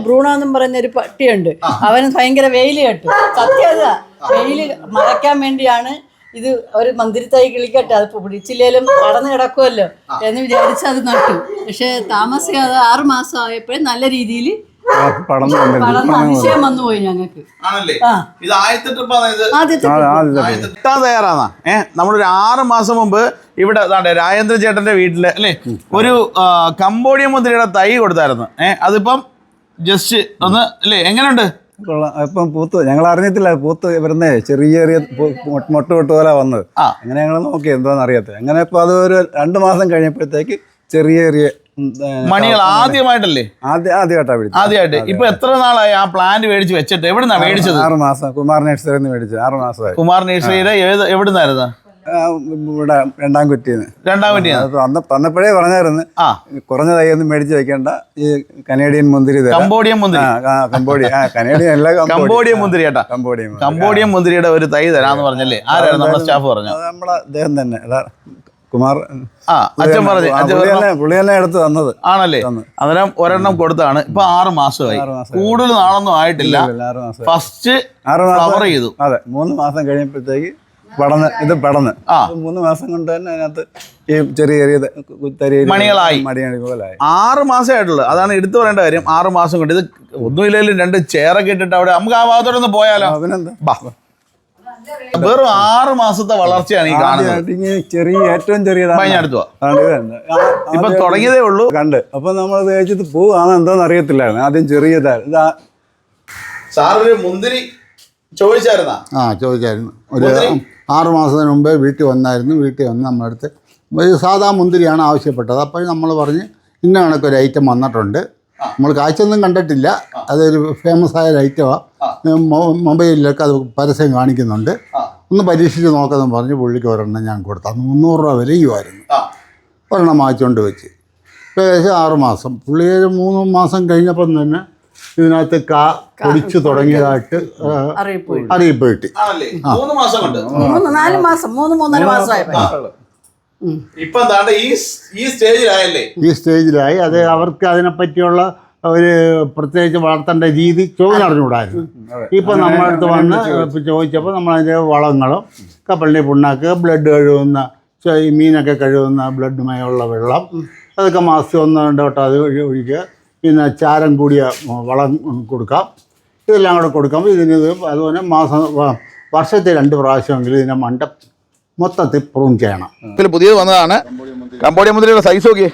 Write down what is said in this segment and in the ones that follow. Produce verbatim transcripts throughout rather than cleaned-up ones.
Bruno എന്നും പറയുന്ന ഒരു പട്ടിയുണ്ട്. അവന് ഭയങ്കര വെയിൽ കേട്ടു. സത്യത വെയിൽ മറയ്ക്കാൻ വേണ്ടിയാണ് ഇത് ഒരു മന്ദിരത്തൈ കിളിക്കട്ടെ, അത് പിടിച്ചില്ലേലും കടന്നു കിടക്കുമല്ലോ എന്ന് വിചാരിച്ച് അത് നട്ടു. പക്ഷെ താമസിക്കാതെ ആറ് മാസം ആയപ്പോഴും നല്ല രീതിയിൽ അതിശയം വന്നു പോയി ഞങ്ങൾക്ക്. തയ്യാറാണ്. ഏഹ് നമ്മളൊരു ആറ് മാസം മുമ്പ് ഇവിടെ രാജേന്ദ്ര ചേട്ടന്റെ വീട്ടില് അല്ലേ ഒരു കംബോഡിയൻ മുന്തിരിയുടെ തൈ കൊടുത്തായിരുന്നു. ഏഹ് അതിപ്പം ജസ്റ്റ് ഒന്ന് അല്ലേ എങ്ങനെയുണ്ട്? ഇപ്പം പൂത്ത് ഞങ്ങൾ അറിഞ്ഞിട്ടില്ല, പൂത്ത് വരുന്നേ ചെറിയ ചെറിയ മൊട്ട് പൊട്ട് പോലെ വന്നത്. അങ്ങനെ ഞങ്ങൾ നോക്കി എന്താന്ന് അറിയാത്ത അങ്ങനെ ഇപ്പൊ അത് ഒരു രണ്ടു മാസം കഴിഞ്ഞപ്പോഴത്തേക്ക് ചെറിയ ചെറിയ മണികൾ ആദ്യമായിട്ടല്ലേ ആദ്യം ആദ്യമായിട്ടാണ് വിളിച്ചത്. ആദ്യമായിട്ട്. ഇപ്പൊ എത്ര നാളായി ആ പ്ലാന്റ് മേടിച്ച് വെച്ചിട്ട്? എവിടുന്നാ മേടിച്ചത്? ആറ് മാസം കുമാർ നഴ്സറിയിൽ നിന്ന് മേടിച്ചത്. ആറ് മാസമായി. കുമാർ നഴ്സറിയുടെ ഏത് എവിടുന്നായിരുന്നു? ഇവിടെ രണ്ടാം കുറ്റിന്ന്. രണ്ടാം കുറ്റി തന്നപ്പോഴേ പറഞ്ഞായിരുന്നു കുറഞ്ഞ തൈയൊന്നും മേടിച്ച് വെക്കേണ്ട, ഈ കനേഡിയൻ മുന്തിരി, കംബോഡിയൻ മുന്തിരി, കംബോഡിയ കനേഡിയൻ അല്ല കംബോഡിയൻ മുന്തിരി കേട്ടാ. കംബോഡിയൻ കംബോഡിയൻ മുന്തിരിയുടെ ഒരു തൈ തരാന്ന് പറഞ്ഞല്ലേ? ആരായിരുന്നു നമ്മുടെ സ്റ്റാഫ് പറഞ്ഞു? നമ്മളെ അദ്ദേഹം തന്നെ കുമാർ. ആ അച്ഛൻ പറഞ്ഞു. പുള്ളി തന്നെ എടുത്ത് തന്നത് ആണല്ലേ? അന്നേരം ഒരെണ്ണം കൊടുത്താണ്. ഇപ്പൊ ആറ് മാസമായി. കൂടുതൽ നാളൊന്നും ആയിട്ടില്ല. ഫസ്റ്റ് ഫ്ലവർ ചെയ്തു. അതെ, മൂന്ന് മാസം കഴിഞ്ഞപ്പോഴത്തേക്ക് പടന്ന് ഇത് പടന്ന് മൂന്ന് മാസം കൊണ്ട് തന്നെ അതിനകത്ത് ഈ ചെറിയ ചെറിയ മണികളായി പോലായി. ആറ് മാസമായിട്ടുള്ളൂ. അതാണ് എടുത്തു പറയേണ്ട കാര്യം. ആറ് മാസം കൊണ്ട് ഇത് ഒന്നുമില്ലെങ്കിലും രണ്ട് ചെയറൊക്കെ ഇട്ടിട്ട് അവിടെ നമുക്ക് ആ ഭാഗത്തോടൊന്ന് പോയാലോ? വെറും ആറ് മാസത്തെ വളർച്ചയാണ് ഈ കാണുന്നത്. ചെറിയ ഏറ്റവും ചെറിയതാണ്. ഇപ്പൊ തുടങ്ങിയതേ ഉള്ളൂ. കണ്ട് അപ്പൊ നമ്മൾ തേച്ചിട്ട് പൂവാണ് എന്തോന്ന് അറിയത്തില്ലായിരുന്നു. ആദ്യം ചെറിയതായിരുന്നു. ഇതാ സാറൊരു മുന്തിരി ചോദിച്ചായിരുന്നാ? ആ ചോദിച്ചായിരുന്നു. ഒരു ആറു മാസത്തിന് മുമ്പേ വീട്ടിൽ വന്നായിരുന്നു. വീട്ടിൽ വന്ന് നമ്മളടുത്ത് ഒരു സാധാ മുന്തിരിയാണ് ആവശ്യപ്പെട്ടത്. അപ്പോൾ നമ്മൾ പറഞ്ഞ് ഇന്ന കണക്കൊരു ഐറ്റം വന്നിട്ടുണ്ട്, നമ്മൾ കാഴ്ചയൊന്നും കണ്ടിട്ടില്ല, അതൊരു ഫേമസ് ആയ ഒരു ഐറ്റമാണ്, മൊബൈലിലൊക്കെ അത് പരസ്യം കാണിക്കുന്നുണ്ട്, ഒന്ന് പരീക്ഷിച്ച് നോക്കാമെന്ന് പറഞ്ഞ് പുള്ളിക്ക് ഒരെണ്ണം ഞാൻ കൊടുത്തു. അന്ന് മുന്നൂറ് രൂപ വിലയുമായിരുന്നു. ഒരെണ്ണം വാങ്ങിച്ചുകൊണ്ട് വെച്ച് ഏകദേശം ആറ് മാസം പുള്ളി ഒരു മൂന്ന് മാസം കഴിഞ്ഞപ്പം തന്നെ ഇതിനകത്ത് കാ പൊടിച്ചു തുടങ്ങിയതായിട്ട് അറിയിപ്പ് കിട്ടി. ഈ സ്റ്റേജിലായി. അത് അവർക്ക് അതിനെപ്പറ്റിയുള്ള ഒരു പ്രത്യേകിച്ച് വളർത്തേണ്ട രീതി ചോദിച്ചറിഞ്ഞുകൂടായിരുന്നു. ഇപ്പം നമ്മളടുത്ത് വന്ന് ചോദിച്ചപ്പോൾ നമ്മളതിൻ്റെ വളങ്ങളും കപ്പലിൻ്റെ പുണ്ണാക്ക്, ബ്ലഡ് കഴുകുന്ന മീനൊക്കെ കഴുകുന്ന ബ്ലഡുമായുള്ള വെള്ളം, അതൊക്കെ മാസം ഒന്ന് രണ്ട് വട്ടം അത് ഒഴിക്കുക. പിന്നെ ചാരം കൂടിയ വളം കൊടുക്കാം. ഇതെല്ലാം കൂടെ കൊടുക്കുമ്പോൾ ഇതിന് അതുപോലെ മാസം വർഷത്തിൽ രണ്ട് പ്രാവശ്യമെങ്കിലും ഇതിനെ മണ്ട മൊത്തത്തിൽ പ്രൂൺ ചെയ്യണം. ഇതിൽ പുതിയത് വന്നതാണ് കംബോഡിയൻ മുന്തിരിയുടെ സൈസ് നോക്കിയേ.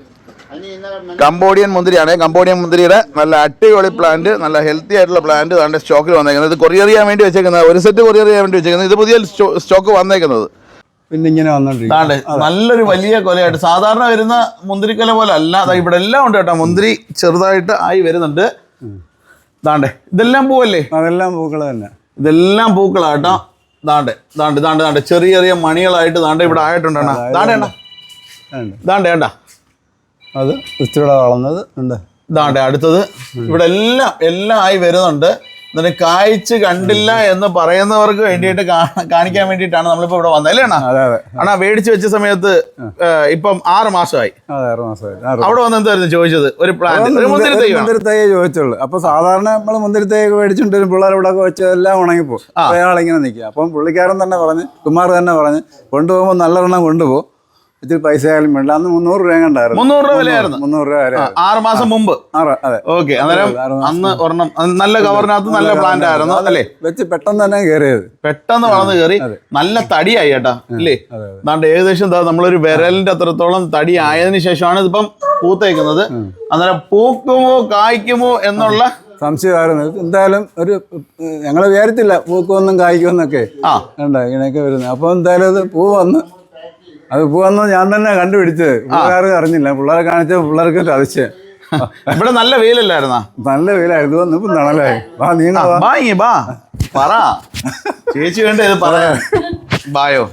കംബോഡിയൻ മുന്തിരിയാണ്. കംബോഡിയൻ മുന്തിരിയുടെ നല്ല അടിപൊളി പ്ലാന്റ്, നല്ല ഹെൽത്തി ആയിട്ടുള്ള പ്ലാന്റ് അതിൻ്റെ സ്റ്റോക്കിൽ വന്നേക്കുന്നത്. ഇത് കൊറിയർ ചെയ്യാൻ വേണ്ടി വെച്ചേക്കുന്നത്, ഒരു സെറ്റ് കൊറിയർ ചെയ്യാൻ വേണ്ടി വെച്ചേക്കുന്നത്. ഇത് പുതിയ സ്റ്റോക്ക് വന്നേക്കുന്നത്. പിന്നെ ഇങ്ങനെ വന്നോണ്ടിരിക്കും നല്ലൊരു വലിയ കൊലയായിട്ട്. സാധാരണ വരുന്ന മുന്തിരിക്കൊല പോലെ അല്ല. അതാ ഇവിടെ എല്ലാം ഉണ്ട് കേട്ടോ. മുന്തിരി ചെറുതായിട്ട് ആയി വരുന്നുണ്ട്. ദാണ്ടേ ഇതെല്ലാം പൂവല്ലേ? അതെല്ലാം പൂക്കള് തന്നെ. ഇതെല്ലാം പൂക്കളാട്ടോ. ദാണ്ടേ ദാണ്ട് ദാണ്ട് ദാണ്ട് ചെറിയ ചെറിയ മണികളായിട്ട് ദാണ്ട് ഇവിടെ ആയിട്ടുണ്ടെണ്ണ. ദാണ്ടേണ്ട ദാണ്ടേണ്ട അത് ഇച്ചിരി വളർന്നത് ഉണ്ട്. ദാണ്ടേ അടുത്തത് ഇവിടെ എല്ലാം എല്ലാം ആയി വരുന്നുണ്ട്. എന്നിട്ട് കായ്ച്ച് കണ്ടില്ല എന്ന് പറയുന്നവർക്ക് വേണ്ടിയിട്ട് കാണിക്കാൻ വേണ്ടിയിട്ടാണ് നമ്മളിപ്പോ ഇവിടെ വന്നത് അല്ലേ അണ്ണാ? അണ്ണാ മേടിച്ച് വെച്ച സമയത്ത് ഇപ്പം ആറ് മാസമായി. അവിടെ വന്ന് എന്തായിരുന്നു ചോദിച്ചത്? ഒരു പ്ലാന്റ്, ഒരു മുന്തിരി തൈ മുന്തിരി തൈ ചോദിച്ചുള്ളൂ. അപ്പൊ സാധാരണ നമ്മൾ മുന്തിരി തൈ മേടിച്ചിട്ട് വരും, പിള്ളേർ ഇവിടെ ഒക്കെ വെച്ചെല്ലാം ഉണങ്ങിപ്പോ അയാളിങ്ങനെ നിൽക്കുക. അപ്പം പുള്ളിക്കാരൻ തന്നെ പറഞ്ഞ്, കുമാർ തന്നെ പറഞ്ഞ് കൊണ്ടുപോകുമ്പോൾ നല്ലെണ്ണം കൊണ്ടുപോകും, ഇത്തിരി പൈസ ആയാലും വേണ്ട. അന്ന് മുന്നൂറ് രൂപ കണ്ടായിരുന്നു. മുന്നൂറ് രൂപ വിലയായിരുന്നു. മുന്നൂറ് രൂപ വരെ ആറ് മാസം മുമ്പ്. അതെ ഓക്കെ. അന്നേരം അന്ന് ഒരെണ്ണം നല്ല കവറിനകത്ത് നല്ല പ്ലാന്റ് ആയിരുന്നു അല്ലേ? വെച്ച് പെട്ടെന്ന് തന്നെ കയറിയത്, പെട്ടെന്ന് വളർന്ന് കയറി നല്ല തടിയായി കേട്ടാ അല്ലേ? അതാണ്ട് ഏകദേശം എന്താ നമ്മളൊരു വിരലിന്റെ അത്രത്തോളം തടി ആയതിനു ശേഷമാണ് ഇതിപ്പം പൂത്തേക്കുന്നത്. അന്നേരം പൂക്കുമോ കായ്ക്കുമോ എന്നുള്ള സംശയമായിരുന്നു. എന്തായാലും ഒരു ഞങ്ങൾ വിചാരിച്ചില്ല പൂക്കുമെന്നും കായ്ക്കുമെന്നൊക്കെ. ആ വേണ്ട ഇങ്ങനെയൊക്കെ വരുന്നത്. അപ്പൊ എന്തായാലും അത് പൂ വന്ന് അത് പൂവെന്ന് ഞാൻ തന്നെ കണ്ടുപിടിച്ചത്. പിള്ളേർ അറിഞ്ഞില്ല. പിള്ളേരെ കാണിച്ച പിള്ളേർക്ക് അതിശയം. ഇവിടെ നല്ല വെയിലല്ലായിരുന്നാ? നല്ല വെയിലായിരുന്നു. ഇപ്പം തണലായി. വാ നീങ്ങി ബാ പറ ചേച്ചി വേണ്ട ഇത് പറയാ. ബായോ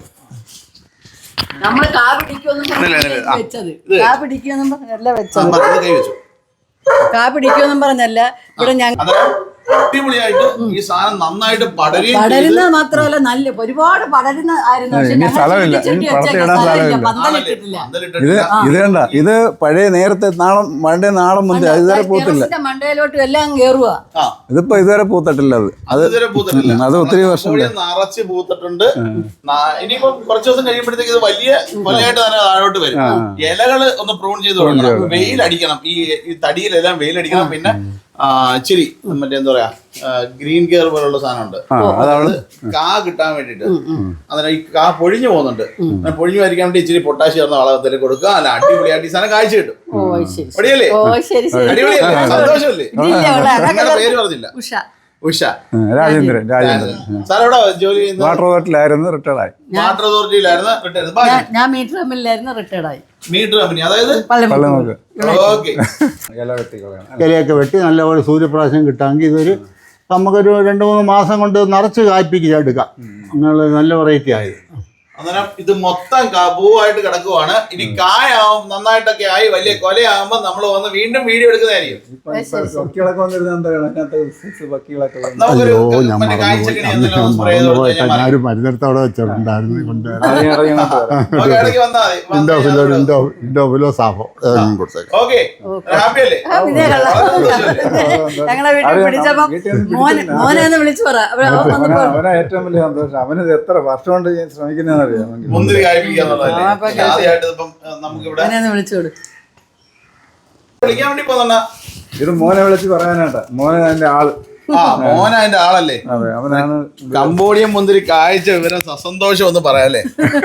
നമ്മള് കാ പിടിക്കുമെന്നും വെച്ചത് കാ പിടിക്കുമെന്നും പറഞ്ഞല്ല വെച്ചത് കാ പിടിക്കുമെന്നും പറഞ്ഞല്ല. ഇവിടെ ഞങ്ങൾ അടിപൊളിയായിട്ട് ഈ സാധനം നന്നായിട്ട് പടരുകയും ചെയ്ത് പടരുന്നത് മാത്രമല്ല നല്ല ഒരുപാട് പടരുന്ന ആയിരുന്നു. പക്ഷെ ഇനി ഞങ്ങൾ സ്ഥലമില്ല. ചുറ്റി ചുറ്റി ഇനി പുറത്ത് വെച്ചേക്കാൻ ഇടാൻ സ്ഥലമില്ല. സ്ഥലമില്ല. പന്തലിട്ടിട്ടില്ല. ഇത് പന്തലിട്ടിട്ടില്ല. ഇത് കണ്ട ഇത് പഴയ നേരത്തെ നാളം പണ്ടേ നാളം മുന്തി അത് ഇതുവരെ പൂത്തില്ല. ടെറസിന്റെ മണ്ടയിലോട്ടും എല്ലാം കേറുക. ആ, ഇതിപ്പോ ഇതുവരെ പൂത്തിട്ടില്ല അത് അത് ഇതുവരെ പൂത്തിട്ടില്ല. ഉം, അത് ഒത്തിരി വർഷം കമ്പോളി നിറച്ച് പൂത്തിട്ടുണ്ട്. നാ- ഇനിയിപ്പം കുറച്ച് ദിവസം കഴിയുമ്പോഴത്തേക്ക് ഇത് വലിയ കൊലയായിട്ട് തന്നെ താഴോട്ട് വരും. ഇലകള് ഒന്ന് പ്രൂൺ ചെയ്ത് കൊടുക്കണം, വെയിലടിക്കണം, ഈ ഈ തടിയിലെല്ലാം വെയിലടിക്കണം. പിന്നെ ആ, ഇച്ചിരി മറ്റേ എന്താ പറയാ ഗ്രീൻ കെയർ പോലുള്ള സാധനമുണ്ട്, അതാണ് കാ കിട്ടാൻ വേണ്ടിട്ട്. അന്നേരം ഈ കാ പൊഴിഞ്ഞു പോകുന്നുണ്ട്. അങ്ങനെ പൊഴിഞ്ഞു വരിക്കാൻ വേണ്ടി ഇച്ചിരി പൊട്ടാഷ് ചേർന്ന വളത്തിൽ കൊടുക്കുക. അല്ല അടിപൊളിയായിട്ട് ഈ സാധനം കാഴ്ച കിട്ടും. ഓ ശരി അടിയല്ലേ? ഓ ശരി ശരി. അടിപൊളിയല്ലേ? സന്തോഷമല്ലേ? ഇതില്ല ഇവിടെ. നിങ്ങളുടെ പേര് പറഞ്ഞില്ല. ഉഷ. ഉഷ. രാജേന്ദ്രൻ രാജേന്ദ്രൻ സാർ എവിടെ ജോലി ചെയ്യുന്നത്? വാട്ടർ അതോറിറ്റിയിലായിരുന്നു റിട്ടയർഡായി. വാട്ടർ അതോറിറ്റിയിലായിരുന്നു റിട്ടയർഡ്. ഞാൻ- ഞാൻ മീറ്റർ കമ്പനിയിലായിരുന്നു റിട്ടയർഡായി. മീറ്റർ കമ്പനി, അതായത് പള്ളിമുക്ക്. ഓക്കെ. ഇല വെട്ടി കളയണം. ഇലയൊക്കെ വെട്ടി നല്ലപോലെ സൂര്യപ്രകാശം കിട്ടാമെങ്കിൽ ഇതൊരു നമുക്കൊരു രണ്ട് മൂന്ന് മാസം കൊണ്ട് നിറച്ച് കായ്പിക്ക് എടുക്കാം. അങ്ങനെ നല്ല വെറൈറ്റി ആയി. അന്നേരം ഇത് മൊത്തം കാ- പൂവായിട്ട് കിടക്കുവാണ്. ഇനി കായാവും നന്നായിട്ടൊക്കെ ആയി വലിയ കൊലയാകുമ്പോ നമ്മൾ വന്ന് വീണ്ടും വീഡിയോ എടുക്കുന്നതായിരിക്കും. പക്കികളൊക്കെ വന്നിരുന്ന എന്താ കണക്കാത്ത പക്കികളൊക്കെ വന്നു. നമുക്കൊരു അയ്യോ ഞാൻ മറ്റേ കായ്ച്ചക്കണി എന്തെങ്കിലും മറന്നു സ്പ്രേ ചെയ്ത് കൊടുത്ത് പോയിട്ട് കഴിഞ്ഞാൽ ഞാനൊരു മരുന്നെടുത്തവിടെ വെച്ചിട്ടുണ്ടായിരുന്നു കൊണ്ടുവരാൻ. ഇറങ്ങി ഇറങ്ങി ഇങ്ങോട്ട് വരാം. ഓക്കേ, ഇടയ്ക്ക് വന്നാ മതി. വന്ന് ഇൻഡോഫിലോ കഴിഞ്ഞാൽ ഇൻഡോ ഇൻഡോഫിലോ സാഫോ ഏതെങ്കിലും കൊടുത്തേക്കാം. ഓക്കെ, ഹാപ്പി അല്ലേ? ആ, പിന്നെ കള്ള. ഞങ്ങളെ വീട്ടിൽ പിടിച്ചപ്പോ മോനെ മോനെ ഒന്ന് വിളിച്ചു പറ. അവര് അവൻ വന്ന് അവനാ അവനാ ഏറ്റവും വലിയ സന്തോഷം. അവന് ഇത് എത്ര വർഷം കൊണ്ട് ഞാൻ ശ്രമിക്കുന്നതെന്നറിയാം. മുന്തിരി കായ്പിക്കുക എന്നുള്ളതല്ലേ? ആ, ഇപ്പൊ ആദ്യമായിട്ട് ഇപ്പം നമുക്കിവിടെ മോനെ ഒന്ന് വിളിച്ചു കൊടു. വിളിക്കാൻ വേണ്ടി പോന്ന ഇത് മോനെ വിളിച്ച് പറയാനാട്ടാ. മോനെ അതിന്റെ ആള്. ആ മോന അതിന്റെ ആളല്ലേ? അതെ, അവനാണ്. കംബോഡിയൻ മുന്തിരി കാഴ്ച വിവരം സസന്തോഷം ഒന്ന് പറയാല്ലേ?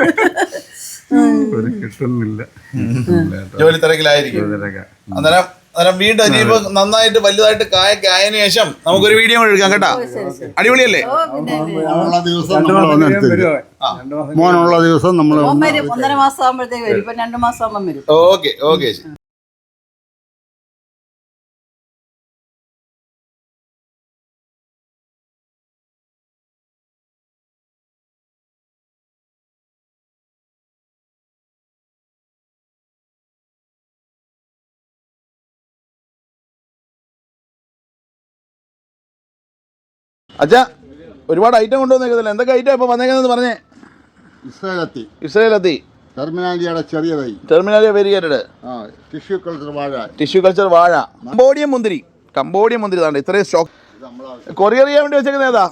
ഒരു കിട്ടുന്നില്ല. ജോലി തിരക്കിലായിരിക്കും. അന്നേരം അന്നേരം വീണ്ടും ഇനിയിപ്പോ നന്നായിട്ട് വലുതായിട്ട് കായൊക്കെ ആയതിനു ശേഷം നമുക്കൊരു വീഡിയോ കൂടെ എടുക്കാം കേട്ടോ. അടിപൊളിയല്ലേ? ഓ പിന്നെ മോനുള്ള ദിവസം രണ്ടു നമ്മൾ മാസം വന്ന് കഴിയുമ്പോ എടുത്തില്ല. വരുവാ. രണ്ടു മാസം മോനുള്ള ദിവസം നമ്മൾ മോൻ വരും. ഒന്നര മാസം ആകുമ്പോഴത്തേക്ക് വരും. ഇപ്പൊ രണ്ടു മാസം ആകുമ്പോൾ വരും. Okay okay. അച്ഛാ, ഒരുപാട് ഐറ്റം കൊണ്ടുവന്നേക്കുന്നില്ല. എന്തൊക്കെ ഐറ്റം ഇപ്പൊ വന്നേക്കുന്നത് പറഞ്ഞേ? ഇസ്രായേലെത്തി ഇസ്രയേലെത്തി, ടെർമിനാലിയുടെ ചെറിയ തൈ, ടെർമിനാലിയ വെരിയേറ്റഡ്, ആ ടിഷ്യൂ കൾച്ചർ വാഴ, ടിഷ്യൂ കൾച്ചർ വാഴ, കംബോഡിയൻ മുന്തിരി. കംബോഡിയൻ മുന്തിരി താണ്ട് ഇത്രയും സ്റ്റോക്ക് കൊറിയർ ചെയ്യാൻ വേണ്ടി വെച്ചേക്കുന്നത് ഏതാ?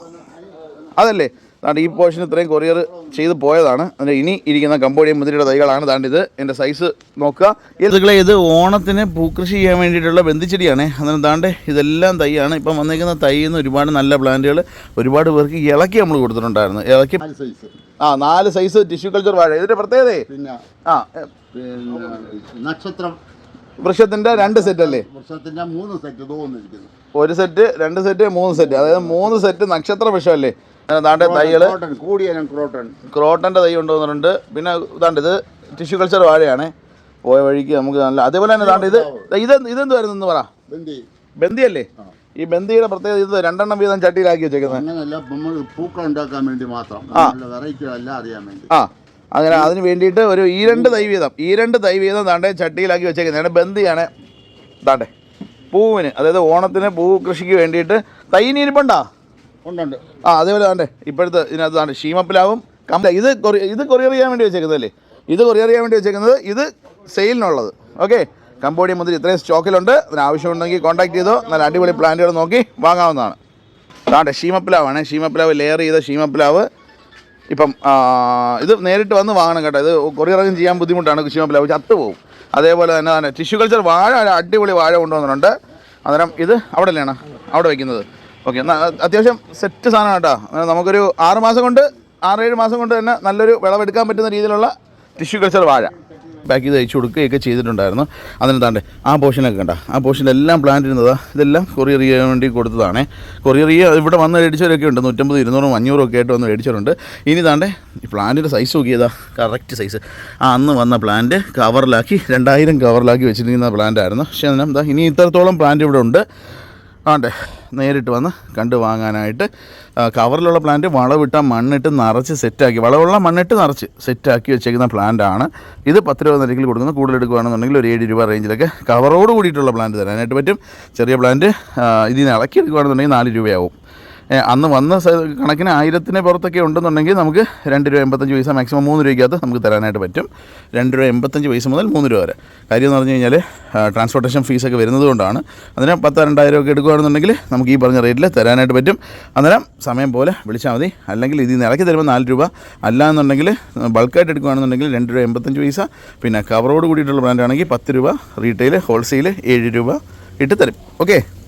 അതല്ലേ താണ്ട് ഈ പോർഷൻ ഇത്രയും കൊറിയർ ചെയ്ത് പോയതാണ്. അതിൻ്റെ ഇനി ഇരിക്കുന്ന കംബോഡിയൻ മുന്തിരിയുടെ തൈകളാണ്. താണ്ട് ഇത് എൻ്റെ സൈസ് നോക്കുക. ഇതുകളെ ഇത് ഓണത്തിന് പൂക്കൃഷി ചെയ്യാൻ വേണ്ടിയിട്ടുള്ള ബന്ധിച്ചെടിയാണ്. അതിന് താണ്ട് ഇതെല്ലാം തൈയാണ്. ഇപ്പം വന്നേക്കുന്ന തൈയിൽ നിന്ന് ഒരുപാട് നല്ല പ്ലാന്റുകൾ ഒരുപാട് പേർക്ക് ഇളക്കി നമ്മൾ കൊടുത്തിട്ടുണ്ടായിരുന്നു. ഇളക്കി സൈസ്, ആ നാല് സൈസ് ടിഷ്യൂ കൾച്ചർ വാഴ. ഇതിൻ്റെ പ്രത്യേകത പിന്നെ ആ പിന്നെ നക്ഷത്രം വൃക്ഷത്തിൻ്റെ രണ്ട് സെറ്റ് അല്ലേ? വൃക്ഷത്തിന്റെ മൂന്ന് സെറ്റ് തോന്നിരിക്കുന്നു. ഒരു സെറ്റ്, രണ്ട് സെറ്റ്, മൂന്ന് സെറ്റ്, അതായത് മൂന്ന് സെറ്റ് നക്ഷത്ര വൃക്ഷമല്ലേ? താണ്ടെ തൈകള് കൂടിയ ക്രോട്ടൺ ക്രോട്ടൻ്റെ തൈ കൊണ്ടുവന്നിട്ടുണ്ട്. പിന്നെ ഇതാണ്ട് ഇത് ടിഷ്യൂ കൾച്ചർ വാഴയാണ്. പോയ വഴിക്ക് നമുക്ക് നല്ല അതേപോലെ തന്നെ താണ്ട് ഇത് ഇത് ഇതെന്തുവായിരുന്നു എന്ന് പറ? ബന്ദി ബന്ദിയല്ലേ? ഈ ബന്ദിയുടെ പ്രത്യേകത ഇത് രണ്ടെണ്ണം വീതം ചട്ടിയിലാക്കി വെച്ചേക്കുന്നത്. അങ്ങനെയല്ല, നമ്മൾ പൂക്കൾ ഉണ്ടാക്കാൻ വേണ്ടി മാത്രം, വെറൈറ്റികളെല്ലാം അറിയാൻ വേണ്ടി. ആ അങ്ങനെ അതിന് വേണ്ടിയിട്ട് ഒരു ഈ രണ്ട് തൈ വീതം ഈ രണ്ട് തൈ വീതം താണ്ടെ ചട്ടിയിലാക്കി വെച്ചേക്കുന്നതാണ്. ബന്ദിയാണ് താണ്ടെ പൂവിന്, അതായത് ഓണത്തിന് പൂ കൃഷിക്ക് വേണ്ടിയിട്ട് തൈ ഇരിപ്പുണ്ടാ? ഉണ്ടുണ്ട്. ആ അതേപോലെ താണ്ടെ ഇപ്പോഴത്തെ ഇതിനകത്ത് താണ്ടെ ഷീമപ്പിലാവും കമ്പ ഇത് കൊറി ഇത് കൊറിയർ ചെയ്യാൻ വേണ്ടി വെച്ചേക്കുന്നതല്ലേ? ഇത് കൊറിയർ ചെയ്യാൻ വേണ്ടി വെച്ചേക്കുന്നത്, ഇത് സെയിലിനുള്ളത്. ഓക്കെ, കംബോഡിയൻ മുന്തിരി ഇത്രയും സ്റ്റോക്കിലുണ്ട്. അതിന് ആവശ്യമുണ്ടെങ്കിൽ കോൺടാക്ട് ചെയ്തോ. നല്ല അടിപൊളി പ്ലാന്റുകൾ നോക്കി വാങ്ങാവുന്നതാണ്. താണ്ടെ ഷീമപ്പിലാവാണ്. ഷീമപ്പിലാവ് ലെയർ ചെയ്ത ഷീമപ്പിലാവ്. ഇപ്പം ഇത് നേരിട്ട് വന്ന് വാങ്ങണം കേട്ടോ. ഇത് കൊറിയറൊക്കെ ചെയ്യാൻ ബുദ്ധിമുട്ടാണ്. ഷീമപ്പിലാവ് ചത്തുപോകും. അതേപോലെ തന്നെ തന്നെ ടിഷ്യൂ കൾച്ചർ വാഴ, അടിപൊളി വാഴ കൊണ്ടുവന്നിട്ടുണ്ട്. അന്നേരം ഇത് അവിടെ അല്ലേണോ അവിടെ വയ്ക്കുന്നത്? ഓക്കെ, അത്യാവശ്യം സെറ്റ് സാധനം കേട്ടോ. നമുക്കൊരു ആറ് മാസം കൊണ്ട് ആറേഴ് മാസം കൊണ്ട് തന്നെ നല്ലൊരു വിളവെടുക്കാൻ പറ്റുന്ന രീതിയിലുള്ള ടിഷ്യൂ കൾച്ചർ വാഴ പാക്ക് ചെയ്ത് അയച്ചു കൊടുക്കുകയൊക്കെ ചെയ്തിട്ടുണ്ടായിരുന്നു. അതിന് താണ്ടെ ആ പോർഷനൊക്കെ കണ്ട, ആ പോർഷനിലെല്ലാം പ്ലാന്റ് ഇരുന്നതാണ്. ഇതെല്ലാം കൊറിയർ ചെയ്യാൻ വേണ്ടി കൊടുത്തതാണ്. കൊറിയർ ചെയ്യുക ഇവിടെ വന്ന് മേടിച്ചവരൊക്കെ ഉണ്ട്. നൂറ്റമ്പത് ഇരുന്നൂറും അഞ്ഞൂറും ഒക്കെ ആയിട്ട് വന്ന് മേടിച്ചവരുണ്ട്. ഇനി താണ്ടെ ഈ പ്ലാന്റിൻ്റെ സൈസ് നോക്കിയതാ, കറക്റ്റ് സൈസ്. ആ അന്ന് വന്ന പ്ലാന്റ് കവറിലാക്കി രണ്ടായിരം കവറിലാക്കി വെച്ചിരിക്കുന്ന പ്ലാന്റ് ആയിരുന്നു. പക്ഷേ അതിന് എന്താ ഇനി ഇത്രത്തോളം പ്ലാന്റ് ഇവിടെ ഉണ്ട്. ആണ്ടെ നേരിട്ട് വന്ന് കണ്ടു വാങ്ങാനായിട്ട്. കവറിലുള്ള പ്ലാന്റ് വളവിട്ട മണ്ണിട്ട് നിറച്ച് സെറ്റാക്കി, വളമുള്ള മണ്ണിട്ട് നിറച്ച് സെറ്റാക്കി വെച്ചേക്കുന്ന പ്ലാന്റാണ് ഇത്. പത്ത് രൂപ നിരക്കിൽ കൊടുക്കുന്നത്. കൂടുതൽ എടുക്കുകയാണെന്നുണ്ടെങ്കിൽ ഒരു ഏഴ് രൂപ റേഞ്ചിലൊക്കെ കവറോട് കൂടിയിട്ടുള്ള പ്ലാന്റ് തരാനായിട്ട് പറ്റും. ചെറിയ പ്ലാന്റ് ഇതിൽ നിന്ന് ഇളക്കി എടുക്കുകയാണെന്നുണ്ടെങ്കിൽ നാല് രൂപയാവും. അന്ന് വന്ന കണക്കിന് ആയിരത്തിന് പുറത്തൊക്കെ ഉണ്ടെന്നുണ്ടെങ്കിൽ നമുക്ക് രണ്ട് രൂപ എൺപത്തഞ്ച് പൈസ മാക്സിമം മൂന്ന് രൂപയ്ക്കകത്ത് നമുക്ക് തരാനായിട്ട് പറ്റും. രണ്ട് രൂപ എൺപത്തഞ്ച് പൈസ മുതൽ മൂന്ന് രൂപ വരെ. കാര്യം എന്ന് പറഞ്ഞു കഴിഞ്ഞാൽ ട്രാൻസ്പോർട്ടേഷൻ ഫീസൊക്കെ വരുന്നത് കൊണ്ടാണ്. അതിന് പത്ത് രണ്ടായിരം ഒക്കെ എടുക്കുകയാണെന്നുണ്ടെങ്കിൽ നമുക്ക് ഈ പറഞ്ഞ റേറ്റിൽ തരാനായിട്ട് പറ്റും. അന്നേരം സമയം പോലെ വിളിച്ചാൽ മതി. അല്ലെങ്കിൽ ഇതിൽ നിന്ന് ഇറക്കി തരുമ്പോൾ നാല് രൂപ, അല്ലാന്നുണ്ടെങ്കിൽ ബൾക്കായിട്ട് എടുക്കുകയാണെന്നുണ്ടെങ്കിൽ രണ്ട് രൂപ എൺപത്തഞ്ച് പൈസ. പിന്നെ കവറോട് കൂടിയിട്ടുള്ള ബ്രാൻഡാണെങ്കിൽ പത്ത് രൂപ, റീറ്റെയിൽ ഹോൾസെയിൽ ഏഴ് രൂപ ഇട്ട് തരും. ഓക്കെ.